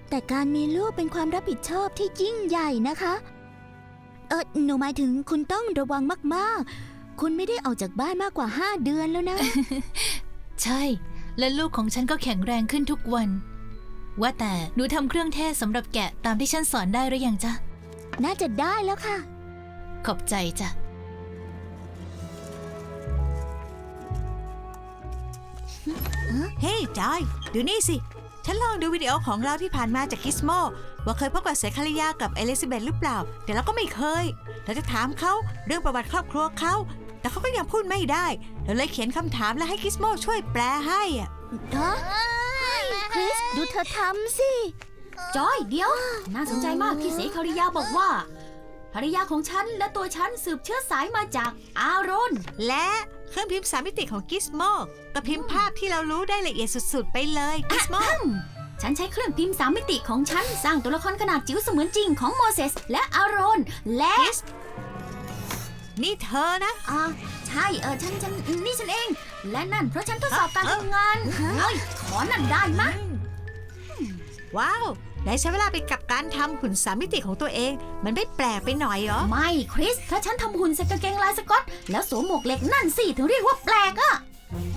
แต่การมีลูกเป็นความรับผิดชอบที่ยิ่งใหญ่นะคะหนูหมายถึงคุณต้องระวังมากๆคุณไม่ได้ออกจากบ้านมากกว่า5 เดือนแล้วนะใช่และลูกของฉันก็แข็งแรงขึ้นทุกวัน ว่าแต่หนูทำเครื่องเทศสำหรับแกะตามที่ฉันสอนได้หรือยังจ๊ะน่าจะได้แล้วค่ะขอบใจจ้ะเฮ้ยจอยดูนี่สิฉันลองดูวิดีโอของเราที่ผ่านมาจากกิสโมว่าเคยพบกับเสคาริยากับเอลิซาเบธหรือเปล่าแต่เราก็ไม่เคยเราจะถามเขาเรื่องประวัติครอบครัวเขาแต่เขาก็ยังพูดไม่ได้เราเลยเขียนคำถามและให้กิสโมช่วยแปลให้อะคริสดูเธอทำสิจอยเดี๋ยว น่าสนใจมากที่เสคาริยาบอกว่าภรรยาของฉันและตัวฉันสืบเชื้อสายมาจากอารอนและเครื่องพิมพ์3 มิติของกิสโมก็พิมพ์ภาพที่เรารู้ได้ละเอียดสุดๆไปเลยกิสโมฉันใช้เครื่องพิมพ์3 มิติของฉันสร้างตัวละครขนาดจิ๋วเสมือนจริงของโมเสสและอารอนและนี่เธอนะใช่ฉันนี่ฉันเอง และนั่นเพราะฉันทดสอบการทำงานเฮ้ยขอนั่นได้มะว้าวได้ใช้เวลาไปกับการทำหุ่น3 มิติของตัวเองมันไม่แปลกไปหน่อยเหรอไม่คริสถ้าฉันทำหุ่นใส่กางเกงลายสก๊อตแล้วสวมหมวกเหล็กนั่นสิถึงเรียกว่าแปลกอะ